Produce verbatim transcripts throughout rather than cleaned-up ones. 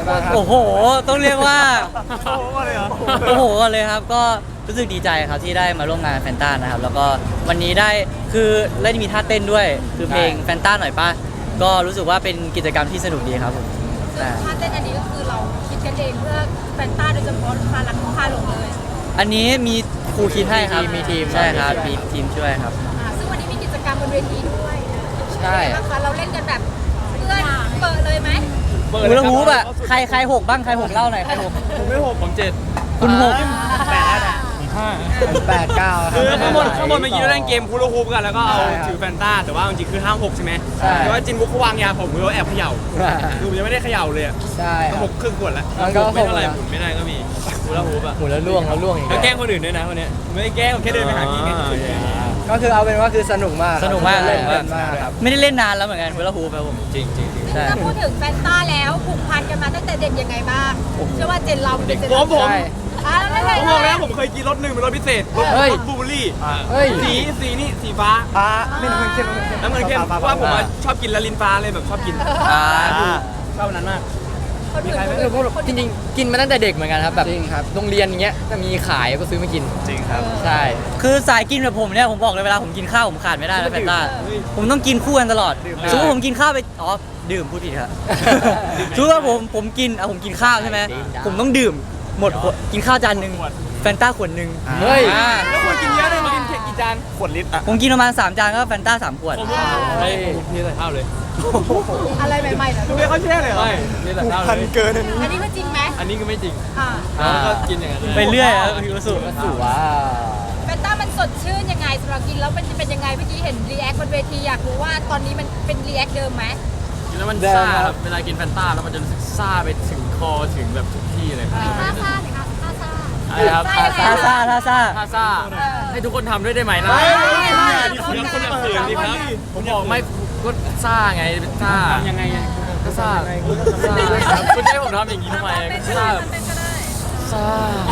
บ้างครับโอ้โหต้องเรียกว่าโอ้โหเลยเหรอโอ้โหเลยครับก็รู้สึกดีใจครับที่ได้มาร่วมงานแฟนต้านะครับแล้วก็วันนี้ได้คือได้มีท่าเต้นด้วยคือเพลงแฟนต้าหน่อยป่ะก็รู้สึกว่าเป็นกิจกรรมที่สนุกดีครับผมซึ่งท่าเต้นอันนี้ก็คือเราคิดกันเองเพื่อแฟนต้าโดยเฉพาะพาลักพาลงเลยอันนี้มีครูคิดให้ครับมีทีมใช่ครับมีทีมช่วยครับอ่าซึ่งวันนี้มีกิจกรรมบนเวทีด้วยใช่เป็นไงบ้างคะเราเล่นกันแบบเพื่อนเปิดเลยไหไหมหูละหูปอะใครใครหกบ้างใครหกเล่าหน่อยใครหกผมไม่หกผมเจ็ดคุณหกแปดแล้วนะห้าแปดเก้าคือข้างบนข้างบนเมื่อกี้เราเล่นเกมฮูลาฮูปกันแล้วก็เอาใช่ครับถือแฟนต้าแต่ว่าจริงๆคือห้ามหกใช่ไหมใช่แต่ว่าจินบุ๊กเขาวางยาผมมือแอบเขย่าคือผมยังไม่ได้เขย่าเลยอะใช่คก็รับหกครึ่งขวดแล้วมันก็ไม่เท่าไหร่หกหมุนไม่ได้ก็มีฮูลาฮูปอะหมุนแล้วล่วงแล้วล่วงอย่างแล้วเงี้ยแกล้งคนอื่นด้วยนะวันเนี้ยไม่ได้แกล้งผมแค่เดินไปหาพี่แค่ก็คือเอาเป็นว่าคือสนุกมากสนุกมากเล่นสนุกกันมากมากครับไม่ได้เล่นนานแล้วเหมือนกันเวลาฮูครับผมจริงจริงจริงใช่ถ้าพูดถึงแฟนต้าแล้วผูกพันกันมาตั้งแต่เด็กยังไงบ้างเชื่อว่าเจนเราเป็นเจนผมผมใช่อ่าแล้วไม่ผมเลบอกยแล้วผมเคยกินรถหนึ่งเป็นรถพิเศษรถเฮ้ยรถบูเบอรี่เฮ้ยสีสีนี่สีฟ้าฟ้าไม่น้ำเงินเข้มน้ำเงินเข้มเพราะว่าผมอะชอบกินละลินฟ้าเลยแบบชอบกินอ่าชอบอันนั้นมากคนอื่นเออพวกเราจริงๆกินมาตั้งแต่เด็กเหมือนกันครับแบบจริงครับโรงเรียนอย่างเงี้ยถ้ามีขายก็ซื้อมากินจริงครับใช่คือสายกินแบบผมเนี่ยผมบอกเลยเวลาผมกินข้าวผมขาดไม่ได้นะแฟนต้าผมต้องกินคู่กันตลอดดื่มสมมติผมกินข้าวไปอ๋อดื่มพูดผิดครับสมมติว่าผมผมกินอ่ะผมกินข้าวใช่ไหมผมต้องดื่มหมดขวดกินข้าวจานหนึ่งแฟนต้าขวดหนึ่งเฮ้ยอ่าแล้วควรกินเยอะเลยมากินเค้กกี่จานขวดลิตรอ่ะผมกินประมาณสามจานก็แฟนต้าสามขวดผมว่าไม่ผมเทใส่ข้าวเลยอะไรใหม่ๆเหรอคุณเรียกเขาแช่เลยเหรอไม่เทใส่ข้าวพันเลยเกินอันนี้อันนี้ก็จริงไหมอันนี้ก็ไม่จริงอ่าแล้วก็กินอย่างนั้นไปเรื่อยครับพี่วสุก็ถือว่าแฟนต้ามันสดชื่นยังไงสำหรับกินแล้วมันจะเป็นยังไงเมื่อกี้เห็นรีแอคบนเวทีอยากรู้ว่าตอนนี้มันเป็นรีแอคเดิมไหมกินแล้วมันซ่าครับเวลากินแฟนต้าแล้วมันจะรู้สึกซ่าไปถึงคอถึงแบบทุกที่เลยครับท่าซ่าหน่อยค่ะท่าซ่าอะไรครับท่าซ่าท่าซ่าท่าซ่าให้ทุกคนทำด้วยได้ไหมนะคนละคนละเสียงดิครับผมบอกไม่ก็ซ่าไงเป็นซ่ายังไงก็ซ่าซ่าครับคุณจะให้ผมทำอย่างนี้ทำไมซ่าแบบซ่า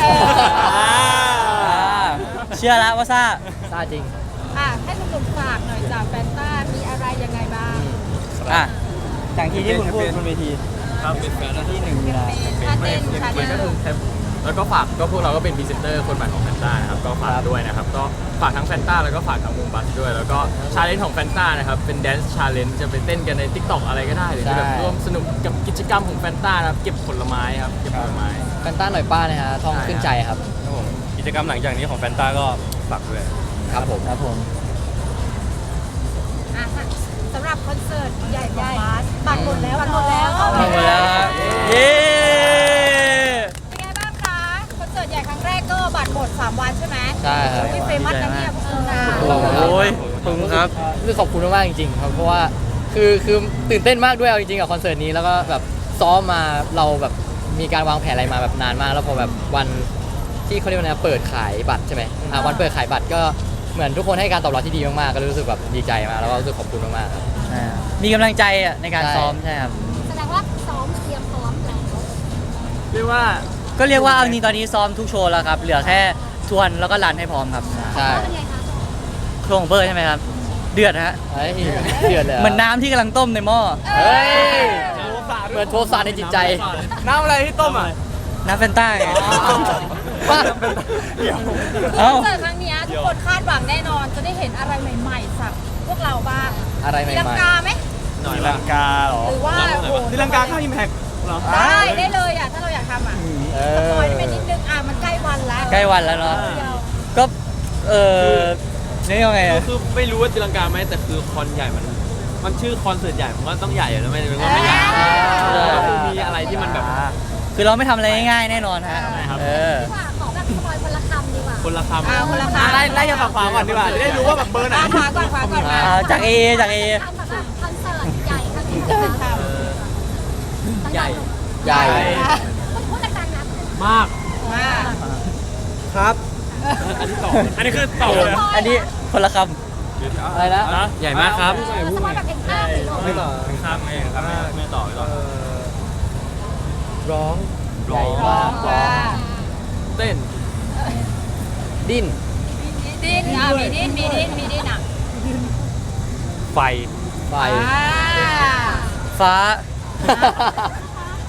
เชื่อแล้วว่าซ่าซาจริงอ่ะให้คุณหนุ่มฝากหน่อยจากแฟนต้ามีอะไรยังไงบ้างอ่ะอย่างที่ที่คุณพูดบนเวทีครับเป็นแฟนแล้วที่หนึ่งมีนาท่าเต้นชาเลนจ์แล้วก็ฝากก็พวกเราก็เป็นพรีเซนเตอร์คนใหม่ของแฟนต้านะครับก็ฝากด้วยนะครับก็ฝากทั้งแฟนต้าแล้วก็ฝากทั้งวงบัสด้วย แล้วก็ชาเลนจ์ของแฟนต้านะครับเป็นแดนซ์ชาเลนจ์จะไปเต้นกันใน ทิกตอก อะไรก็ได้หรือจะแบบใช่ร่วมสนุกกับกิจกรรมของแฟนต้านะครับเก็บผลไม้ครับเก็บผลไม้แฟนต้าหน่อยป้านะฮะทองขึ้นใจครับครับผมกิจกรรมหลังจากนี้ของแฟนต้าก็ฝากด้วยครับผมครับผมอ่ะสำหรับคอนเสิร์ตใหญ่ของบาสบัตรหมดแล้วบัตรหมดแล้วหมดแล้วครับเย้เป็นไงบ้างคะคอนเสิร์ตใหญ่ครั้งแรกก็บัตรหมดสามวันใช่ไหมใช่ครับพี่เฟมัสนะเนี่ยคุณนาโอ้ยขอบคุณครับคือขอบคุณมากๆจริงๆครับเพราะว่าคือคือตื่นเต้นมากด้วยเอาจริงๆกับคอนเสิร์ตนี้แล้วก็แบบซ้อมมาเราแบบมีการวางแผนอะไรมาแบบนานมาก แล้วพอแบบวันที่เขาเรียกว่าไงเปิดขายบัตรใช่ไหมอ่าวันเปิดขายบัตรก็เหมือนทุกคนให้การตอบรับที่ดีมากๆก็รู้สึกแบบดีใจมากแล้วก็รู้สึกขอบคุณมากๆครับมีกำลังใจอ่ะในการใช่ซ้อมใช่ครับแสดงว่าซ้อมเตรียมพร้อมแล้วเรียกว่าก็เรียกว่าเอาจริงตอนนี้ซ้อมทุกโชว์แล้วครับ เหลือแค่ทวนแล้วก็รันให้พร้อมครับใช่เป็นไงคะโชว์ของเบอร์ใช่ไหมครับ เดือดฮะเฮ้ยเดือดเลยเหมือนน้ำที่กำลังต้มในหม้อเฮ้ยเหมือนโทสะในจิตใจน้ำอะไรที่ต้มอ่ะน้ำแฟนต้าไงว่าเอ้าคอนเสิร์ตครั้งเนี้ยทุกคนคาดหวังแน่นอนจะได้เห็นอะไรใหม่ๆจากพวกเราบ้างอะไรใหตีลังม่กาไหมหน่อยตีละลังกาเหรอหรือว่าโอ้โหตีลังกาเข้าอิมแพคเหรอได้ได้เลยอ่ะถ้าเราอยากทำอ่ะๆเอสปออยได้ไปนิดนึงอ่ะมันใกล้วันแล้วใกล้วันแล้วเนาะเดียวก็ เออนี่ยังไงอะคือไม่รู้ว่าตีลังกาไหมแต่คือคอนใหญ่มันมันชื่อคอนเสิร์ตใหญ่ผมว่าต้องใหญ่อยู่แล้วไม่ได้เป็นว่าไม่ใหญ่ก็คือมีอะไรที่มันแบบคือเราไม่ทำอะไรง่ายๆแน่นอนฮะใช่ครับเออว่าขอแบบสปอยคนละคำดีกว่าคนละคำอ่าคนละคำไล่ไล่จากฝั่งขวาก่อนดีกว่าจะได้รู้ว่าแบบเบอร์ไหนอ่ะขวาก่อนขวาก่อนมาอ่าจากเอจากเอคำแบบคอนเสิร์ตใหญ่ครั้งนี้จะเป็นคำใหญ่ใหญ่พูดดังๆนะมากมาครับอันนี้ต่ออันนี้คือต่อเลยอันนี้คนละคอะไรนะใหญ่มากครับสปอยแบบเห็นภาพเลยลูกไม่ต่อข้ามไงครับไม่ต่อไม่ต่อร้องใหญ่มากว่าเต้นดิ้นดิ้นอ่ะมีดิ้นมีดิ้นมีดิ้นอ่ะไฟไฟอ่าำฟ้าพ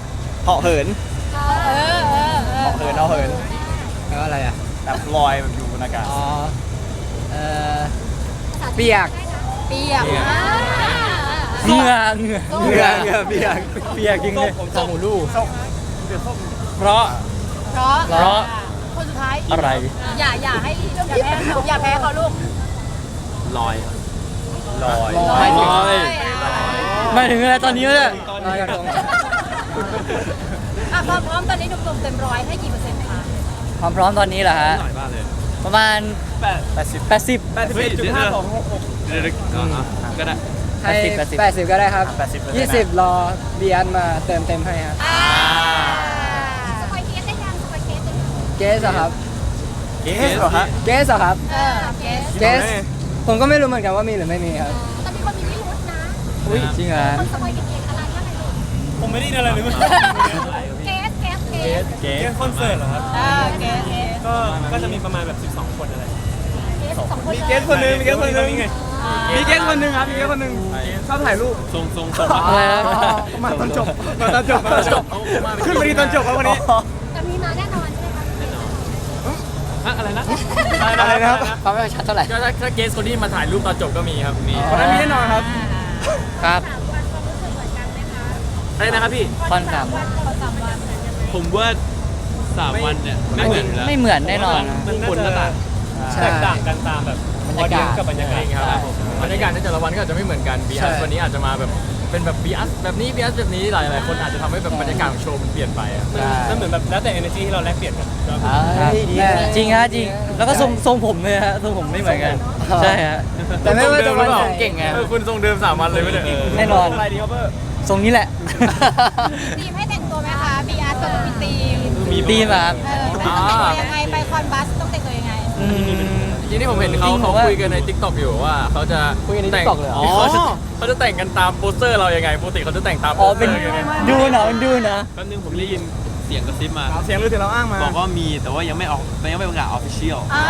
เหาะเหินเออเออเออเหาะเหินเอาเหินแปลว่าอะไรอ่ะแบบลอยแบบอยู่บนอากาศอ๋อ เออเปียกเปียกอ่าเหงื่อเหงื่อเหงื่อเหงื่อเปียกเปียกจริงเลยซามูลูเพราะเพราะเพราะคนสุดท้ายอะไรอย่าอย่าให้อย่าแพ้เขาอย่าแพ้เขาลูกลอยลอยลอยลอยหมายถึงอะไรตอนนี้เนี่ยลอยกระทงอ่ะความพร้อมตอนนี้หนุ่มๆเต็มร้อยให้กี่เปอร์เซ็นต์คะความพร้อมตอนนี้เหรอฮะหน่อยบ้างเลยประมาณแปดแปดสิบ 80 แปดสิบเอ็ดจุดห้าสองหกหกเดี๋ยวๆอ่ะก็ได้ให้แปดสิบแปดสิบก็ได้ครับแปดสิบยี่สิบรอเบียนมาเติมเต็มให้ครับอ่าสปอยเคสได้ยังสปอยเคสได้ยังเกสเหรอครับเกสเหรอฮะเกสเหรอครับเออเคสเกส ผมก็ไม่รู้เหมือนกันว่ามีหรือไม่มีครับแต่มีคนมีพิรุธนะอุ้ยจริงเหรอคนสปอยกันเองอะไรยังไงลูกผมไม่ได้ยินอะไรเลยเคสเคสเคสเกสคอนเสิร์ตเหรอครับอ่าเคสเคสก็ก็จะมีประมาณแบบสิบสองคนอะไรเคสสองคนมีเกสคนหนึงมีเกสคนหนึงอ่ามีเกสคนหนึงครับมีเกสคนหนึงชอบถ่ายรูปทรงทรงทรงอะไรนะมาตอนจบมาตอนจบมาตอนจบขึ้นไปดีตอนจบครับวันนี้แต่มีมาแน่นอนใช่ไหมคะอะไรนะอะไรนะครับความไม่ชัดเท่าไหร่ก็ถ้าถ้าเกสคนที่มาถ่ายรูปตอนจบก็มีครับมีวันนั้นมีแน่นอนครับครับสามวันความรู้สึกเหมือนกันไหมคะอะไรนะครับพี่คอนสามเขาสามวันผมว่าสามวันเนี่ยไม่เหมือนอยู่แล้วไม่เหมือนแน่นอนนะมันคนละต่างใช่แตกต่างกันตามแบบบรรยากาศกับบรรยากาศจริงครับบรรยากาศในแต่ละวันก็อาจจะไม่เหมือนกันบีใช่อัสวันนี้อาจจะมาแบบเป็นแบบบีอัสแบบนี้บีอัสแบบนี้หลายหลายคนอาจจะทำให้แบบบรรยากาศของโชว์มันเปลี่ยนไปอะมันเหมือนแบบแล้วแต่ energy ที่เราแลกเปลี่ยนกันเฮ้ยดีนะจริงฮะจริง แล้วก็ทรงทรงผมเลยฮะทรงผมไม่เหมือนกัน ใช่ฮะแต่ไม่ว่าจะวันไหนเก่งไงเออคุณทรงเดิมสามวันเลยไม่ได้แน่นอนอะไรดีครับเบอร์ทรงนี้แหละทีมให้แต่งตัวไหมคะบีอาร์ต้องมีทีมมีตีมาครับเออต้องแต่งตัวยังไงไปคอนบัสต้องแต่งตัวยังไงอืมจริงๆที่ผมเห็นเขาจริงเขาว่าคุยกันใน ทิกตอก อยู่ว่าเขาจะคุยกันในแต่ง TikTok เลยเหรอเขาจะเขาจะแต่งกันตามโปสเตอร์เรายังไงปกติเขาจะแต่งตามโปอ๋อสเตเป็อน ร์ยังไงดูนะเป็นดูนะแป๊บนึงผมได้ยินเสียงกระซิบมาเสียงหรือที่เราอ้างมาบอกว่ามีแต่ว่ายังไม่ออกยังไม่ประกาศออฟฟิเชียลอ่าร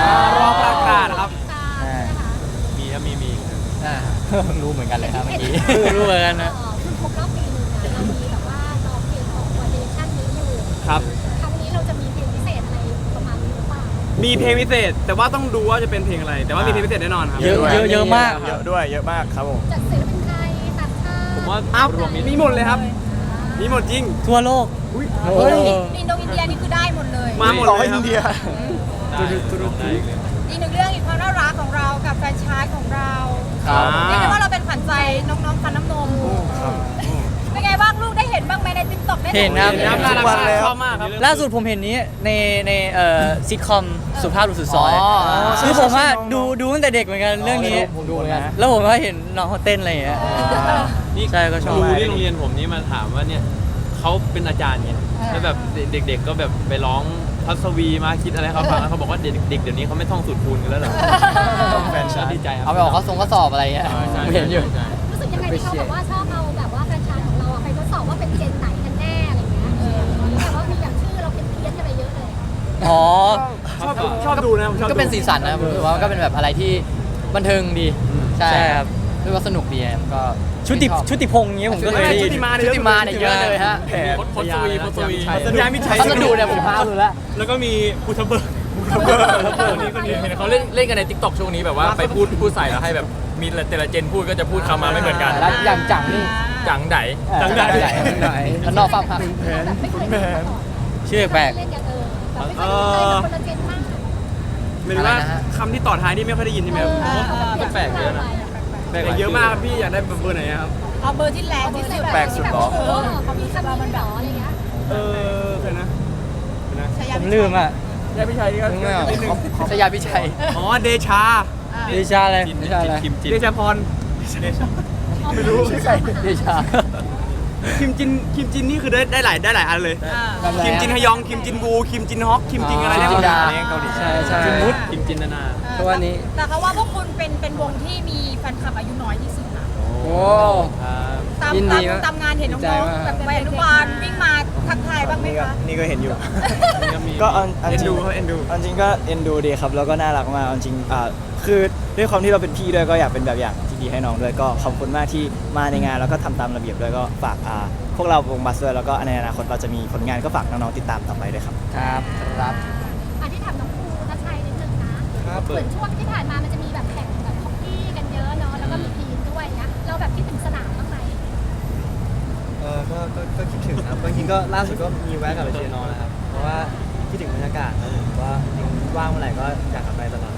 อประกาศนะครับตามนะคะมีครับมีมีอ่ารู้เหมือนกันเลยครับเมื่อกี้รู้เหมือนกันนะเอ่อคือครบรอบปีหนึงนะเรามีแบบว่าร้องเพลงของวันเดชั่นนี้อยู่ครับครั้งนี้เราจะมีเพลงพิเศษอะไรประมาณนี้หรือเปล่ามีเพลงพิเศษ แต่ว่าต้องดูว่าจะเป็นเพลงอะไร แต่ว่ามีเพลงพิเศษแน่นอนครับเยอะเยอะเยอะมากเยอะด้วยเยอะมากครับผมจากศิลปินไทยต่างชาติผมว่าอ้าวรวมมิตรมีหมดเลยครับ มีหมดจริงทั่วโลกเฮ้ยอินโดอินเดียนี่คือได้หมดเลยมาหมดเลยครับได้ได้อีกเลยอีกหนึ่งเรื่องอีกความน่ารักของเรากับแฟรนไชส์ของเราครับเรียกได้ว่าเราเป็นขวัญใจน้องๆฟันน้ำนมเป็นไงบ้างลูกได้เห็นบ้างไหมในติ๊กต็อกได้เห็นครับน้ำน่ารักมากชอบมากครับล่าสุดผมเห็นนี้ในในเอ่อซิทคอมสุภาพบุรุษสุดซอยอ๋อคือผมว่าดูดูตั้งแต่เด็กเหมือนกันเรื่องนี้ผมดูเหมือนกันแล้วผมก็เห็นน้องเขาเต้นอะไรอย่างเงี้ยนี่ใช่ก็ชอบครูที่โรงเรียนผมนี่มาถามว่าเนี่ยเขาเป็นอาจารย์ไงแล้วแบบเด็กๆก็แบบไปร้องพัศวีมาคิดอะไรให้เขาฟังแล้วเขาบอกว่าเด็กๆเดี๋ยวนี้เขาไม่ท่องสูตรคูณกันแล้วเหรอแฟนฉันดีใจครับเอาไปออกข้อทรงข้อสอบอะไรเงี้ยผมเห็นอยู่รู้สึกยังไงที่เขาแบบว่าชอบเอาแบบว่าแฟรนไชส์ของเราอะไปทดสอบว่าเป็นเจนไหนกันแน่อะไรเงี้ยเออแต่ว่ามีแบบชื่อเราเป็นเพี้ยนกันไปเยอะเลยอ๋อชอบชอบดูนะผมชอบก็เป็นสีสันนะผมรู้สึกว่าก็เป็นแบบอะไรที่บันเทิงดี ใช่ใช่ครับรู้ว่าสนุกดีครับก็ชุติชอบชุติพงษ์อย่างเงี้ยผมก็เคยได้ยิชุนติมาชุติมาเนี่ยเยอะเลยฮะแผนพจน์สวีพจน์สวีสัญญามิชัยพัสดุเนี่ยผมพาดูแล้วแล้วก็มีภูทะเบิกภูทะเบิกนี่ก็มีเห็นเขาเล่นเล่นกันใน ทิกตอก ช่วงนี้แบบว่าไปพูดพูดใส่แล้วให้แบบมีแต่ละเจนพูดก็จะพูดคำมาไม่เหมือนกันแล้วอย่างจังนี่จังไดจังใดจังไหนแล้วนอกฟังพักแบบไม่เคยเล่นมาก่อนชื่อแปลกเล่นกันเออแบบไม่เคยเล่นเลยแบบคนละเจนมากหรือว่าคำที่ต่อท้ายนี่ไม่ค่อยได้ยินใช่ไหมครับแปลกๆเยอะนะแต่เยอะมากครับพี่อยากได้เบอร์ไหนครับเอาเบอร์ที่แรงที่สุดแปลกสุดเหรอเออเขามีคำนี้เหรออะไรเงี้ยเออใครนะใครนะชายาผมลืมอ่ะยายพิชัยก็นึกไม่ออกนิดนึงชยาพิชัยอ๋อเดชาเดชาเลยจินไม่ใช่อะไรคิมจินเดชาพรไม่รู้ชื่อใครเดชาคิมจินคิมจินนี่คือได้ได้หลายได้หลายอันเลย คิมจินฮยอง คิมจินวู คิมจินฮอก คิมจินอะไรคิมจินดาเนี่ยเกาหลีใช่ใช่จินมุดคิมจินนานาทุกวันนี้แต่เขาว่าพวกคุณเป็นเป็นวงที่มีแฟนคลับอายุน้อยที่สุดนะโอ้ตามยินดีตามมากตามงานเห็นดีใจน้องมากๆแบบวัยอนุบาลวิ่งมาทักทายบ้างไหมคะนี่ก็เห็นอยู่ก็อันอันเอ็นจริดูงเขาเอ็นดูอันจริงก็เอ็นดูดีครับแล้วก็น่ารักมากอันจริงอ่าคือด้วยความที่เราเป็นพี่ด้วยก็อยากเป็นแบบอย่างที่ดีๆให้น้องด้วยก็ขอบคุณมากที่มาในงานแล้วก็ทำตามระเบียบด้วยก็ฝากอ่าพวกเราวงบัสด้วยแล้วก็ในอนาคตเราจะมีผลงานก็ฝากน้องๆติดตามต่อไปด้วยครับครับครับอันที่ถามน้องภูทัชชัยนิดนึงนะครับ เหมือนช่วงที่ผ่านมามันจะมีแบบแข่งแบบฮอกกี้กันเยอะเนาะแล้วก็มีทีมด้วยนะเราแบบคิดถึงสนามบ้างไหมเออก็ก็ก็คิดถึงครับจริงๆก็ล่าสุดก็มีแวะกลับไปเชียร์น้องนะครับ เพราะว่าคิดถึงบรรยากาศแล้วผมว่าจริงว่างเมื่อไหร่ก็อยากกลับไปตลอด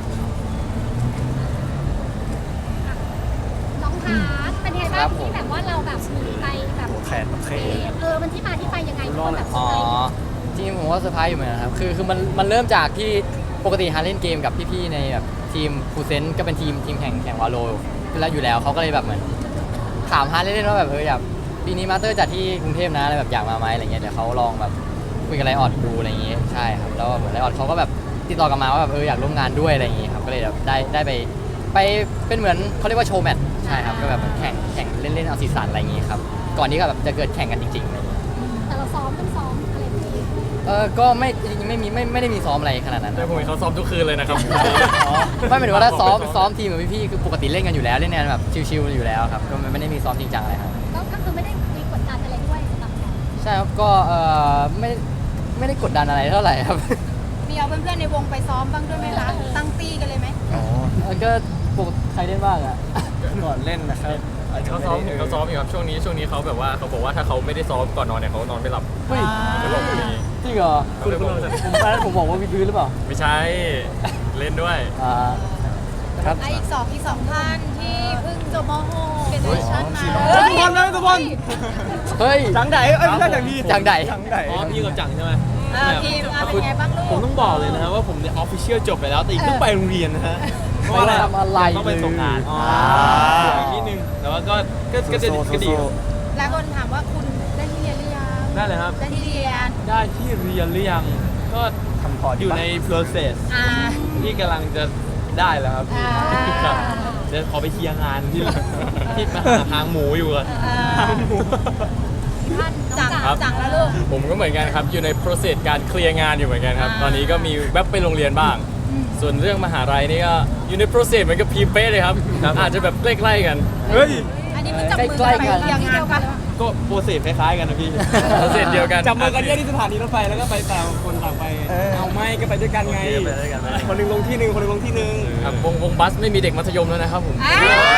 น้องฮาร์ดเป็นไงบ้างที่แบบว่าเราแบบมีไปแบบโอ้แทนโอเคเออมันที่มาที่ไปยังไงทุกคนแบบเซออ๋ร์อไพรส์จริงๆผมว่าเซอร์ไพรส์อยู่เหมือนกันครับคือคือมันมันเริ่มจากที่ปกติฮาร์ดเล่นเกมกับพี่ๆในแบบทีมฟูเซนก็เป็นทีมทีมแข่งแข่งวาโลแล้วอยู่แล้วเขาก็เลยแบบเหมือนถามฮาร์ดเล่นๆว่าแบบเอออยากปีนี้มาสเตอร์จัดที่กรุงเทพนะอะไรแบบอยากมาไหมอะไรเงี้ยเดี๋ยวเขาลองแบบคุยกับไลออดดูอะไรอย่างเงี้ยใช่ครับแล้วเหมือนไลออดเขาก็แบบติดต่อกลับมาว่าแบบเอออยากร่วมงานด้วยอะไรอย่างเงี้ยครับก็เลยแบบได้ได้ไปไปเป็นเหมือนเขาเรียกว่าโชว์แมตช์ใช่ครับก็แบบเหมือนแข่งแข่งเล่นๆเอาสีสันอะไรอย่างเงี้ยครับก่อนที่ก็แบบจะเกิดแข่งกันจริงๆอะไรอย่างเงี้ยแต่เราซ้อมต้องซ้อมอะไรแบบนี้เออก็ไม่จริงๆไม่มีไม่ไม่ได้มีซ้อมอะไรขนาดนั้นแต่นะผมเห็นเขาซ้อมทุกคืนเลยนะครับอ๋อไม่หมายถึงว่าถ้าซ้อมซ้อมทีมกับพี่ๆคือปกติเล่นกันอยู่แล้วเล่นกันแบบชิวๆอยู่แล้วครับก็ไม่ได้มีซ้อมจริงจังอะไรครับก็ก็คือไม่ได้มีกดดันอะไรด้วยสำหรับเราใช่ครับก็เออไม่ไม่ได้กดดันอะไรเท่าไหร่ครับมีเอาเพื่อนๆในวงไปซ้อมบ้างด้วยไหมคะตั้งตี้กันเลยไหมอ๋อก็ปกติใครเล่นบ้างอ่ะก่อนเล่นนะครับอาจจะเขาไม่ซ้อมได้เขาซ้อมอยู่ครับช่วงนี้ช่วงนี้เขาแบบว่าเขาบอกว่าถ้าเขาไม่ได้ซ้อมก่อนนอนเนี่ยเขานอนไม่หลับเฮ้ยเขาบอกแบบนี้จริงเหรอเขาเลยบอกผมตอนนั้นผมบอกว่าวิดพื้นหรือเปล่าไม่ใช่เล่นด้วยอ่าครับอ่ะอีกสองอีกสองท่านที่เพิ่งจบม .หก เกรดชั่นมาเฮ้ยทุกคนนะทุกคนเฮ้ยจังไดเอ้ยไม่ใช่จังดีจังใดจังไดอ๋อพี่กับจังใช่ไหมเออทีมอ่ะเป็นไงบ้างลูผมกต้องบอกเลยนะฮะว่าผมเนี่ยออฟฟิเชียลจบไปแล้วแต่อีกต้องไปโรงเรียนนะฮะเพราะว่าไปทำอะไรต้องไปส่งงานอ๋ออีกนิดนึงแต่ว่าก็ก็ก็จะก็ดีครับหลายคนถามว่าคุณได้ที่เรียนหรือยังได้เลยครับได้ที่เรียนได้ที่เรียนหรือยังก็ทำพอร์ตอยู่ใน process อ่าที่กำลังจะได้แล้วครับอ่าครับเดี๋ยวขอไปเคลียร์งานที่ที่มาหาทางหมูอยู่ก่อนอ่าท่านจังครับจังแล้วลูกผมก็เหมือนกันครับอยู่ใน process การเคลียร์งานอยู่เหมือนกันครับอ่าตอนนี้ก็มีแวบไปโรงเรียนบ้าง ส่วนเรื่องมหาลัยนี่ก็อยู่ใน process เหมือนกับพีเป้เลยครับ อาจจะแบบใกล้ๆกันเฮ้ยอันนี้มันจับมือใกล้ๆกันไปเคลียร์งานปะก็โปรเซสคล้ายๆกันนะพี่ process เดียวกันจับมือกันแยกที่สถานีรถไฟแล้วก็ไปต่างคนต่างไป เอาไม่ก็ไปด้วยกันไงโอเคไปด้วยกันไปด้วยกันคนหนึงลงที่หนึ่งคนหนึงลงที่หนึ่งครับวงวงบัสไม่มีเด็กมัธยมแล้วนะครับผมอ่า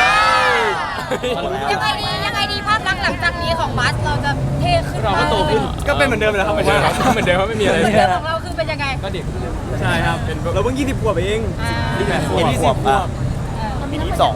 ยังไงดียังไงดีภาพลักษณ์หลังจากนี้ของบัสเราจะเท่ขึ้นเราก็โตขึ้นก็เป็นเหมือนเดิมเลยครับเหมือนเดิมครับเหมือนเดิมครับไม่มีอะไรเรื่องของเราคือเป็นยังไงก็เด็กใช่ครับเป็นเราเพิ่งยี่สิบขวบเองอ่ายี่สิบขวบยี่สิบขวบปีนี้สอง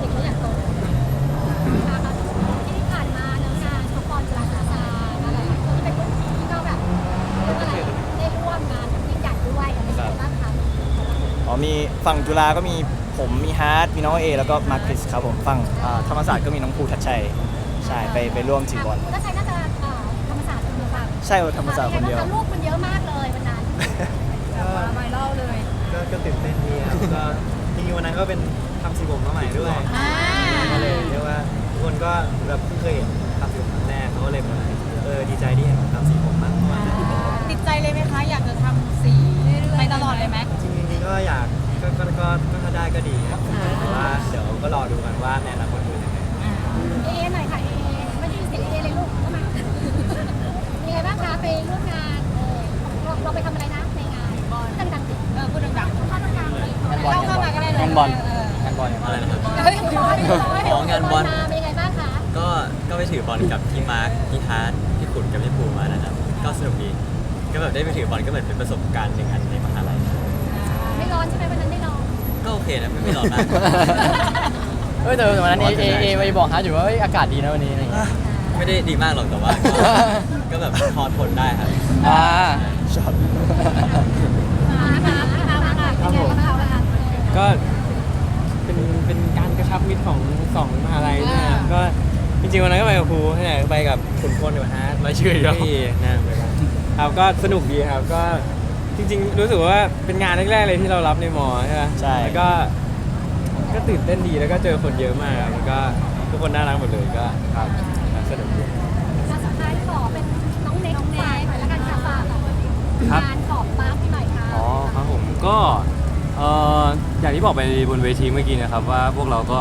ที่ผ่านมาเนื้องานท็อปบอลจุฬาลงกรณ์อะไรที่เป็นรุ่นพี่ก็แบบอะไรได้ร่วมงานกับยิ่งใหญ่ด้วยอะไรอย่างเงี้ยบ้างคะอ๋อมีฝั่งจุฬาก็มีผมมีฮาร์ดมีน้องเอแล้วก็มาร์คริสครับผมฝั่งอ่าธรรมศาสตร์ก็มีน้องภูทัชชัยใช่ไปไปร่วมถือบอลคุณก็ใช้น่าจะเอ่อธรรมศาสตร์คนเดียวกันใช่ครับธรรมศาสตร์คนเดียวลูกมันเยอะมากเลยวันนั้นมาไวรัลเลยก็ก็ตื่นเต้นดีครับก็จริงๆวันนั้นก็เป็นทำสีผมมาใหม่ด้วยอ่าก็เลยเรียกว่าทุกคนก็แบบเพิ่งเคยเห็นทำสีผมครั้งแรกเขาก็เลยแบบเออดีใจที่เห็นผมทำสีผมมากเพราะว่าติดใจเลยไหมคะ อยากจะทำสีไปตลอดเลยไหมจริงๆก็อยากก็ก็ก็ก็ถ้าได้ก็ดีครับแต่ว่าเดี๋ยวก็รอดูกันว่าในอนาคตเป็นยังไงเอหน่อยค่ะเอไม่ได้ยินเสียงเอเลยลูกเข้ามาเป็นไงบ้างคะไปร่วมงานเออเราเราไปทำอะไรนะในงานดังๆสิเออพูดดังเข้าดังๆเลยงานบอลเข้ามาก็ได้เลยงานบอลเอองานบอลอะไรนะครับเฮ้ยบอลบอลอ๋องานบอลมาเป็นยังไงบ้างคะก็ก็ไปถือบอลกับพี่มาร์คพี่ฮาร์ดพี่ขุนกับพี่ภูมานะครับ ก็สนุกดี ก็แบบได้ไปถือบอลก็เหมือนเป็นประสบการณ์หนึ่งอันในมหาลัยไม่ร้อนใช่ไหมวันนั้นไม่ร้อนก็โอเคนะไม่ไม่ร้อนมากเฮ้ยแต่วันนั้นเอเอเอไปบอกฮาร์ดอยู่ว่าเฮ้ยอากาศดีนะวันนี้อะไรอย่างเงี้ยไม่ได้ดีมากหรอกแต่ว่าก็ก็แบบพอทนได้ครับอ่าช็อตมาค่ะมาค่ะเป็นไงบ้างคะก็เป็นเป็นการกระชับมิตรของสองมหาลัยด้วยนะครับก็จริงๆวันนั้นก็ไปกับครูใช่ไหมไปกับขุนพลกับฮาร์ดรายชื่ออีกแล้วพี่นะไปกันครับก็สนุกดีครับก็จริงๆ รู้สึกว่าเป็นงานแรกๆเลยที่เรารับในมอใช่ไหมใช่แล้วก็ก็ตื่นเต้นดีแล้วก็เจอคนเยอะมากครับแล้วก็ทุกคนน่ารักหมดเลยก็ครับสนุกดีสุดท้ายขอเป็นน้องเน็กน้องเน็กหน่อยแล้วกันค่ะฝากครับงานของมาร์คหน่อยค่ะอ๋อครับผมก็เอ่ออย่างที่บอกไปบนเวทีเมื่อกี้นะครับว่าพวกเราก็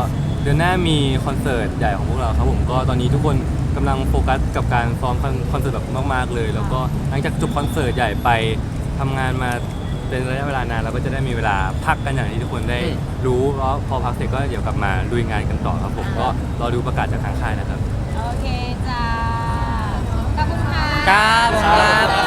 ดือนหน้ามีคอนเสิร์ตใหญ่ของพวกเราครับผมก็ตอนนี้ทุกคนกำลังโฟกัสกับการซ้อมคอนคอนเสิร์ตแบบมากๆเลย แล้วก็หลังจากจบคอนเสิร์ตใหญ่ไปทำงานมาเป็นระยะเวลานานเราก็จะได้มีเวลาพักกันอย่างที่ทุกคนได้รู้แล้วพอพักเสร็จก็เดี๋ยวกลับมาลุยงานกันต่อครับผมก็รอดูประกาศจากทางค่ายนะครับโอเคจ้าขอบคุณค่ะครับ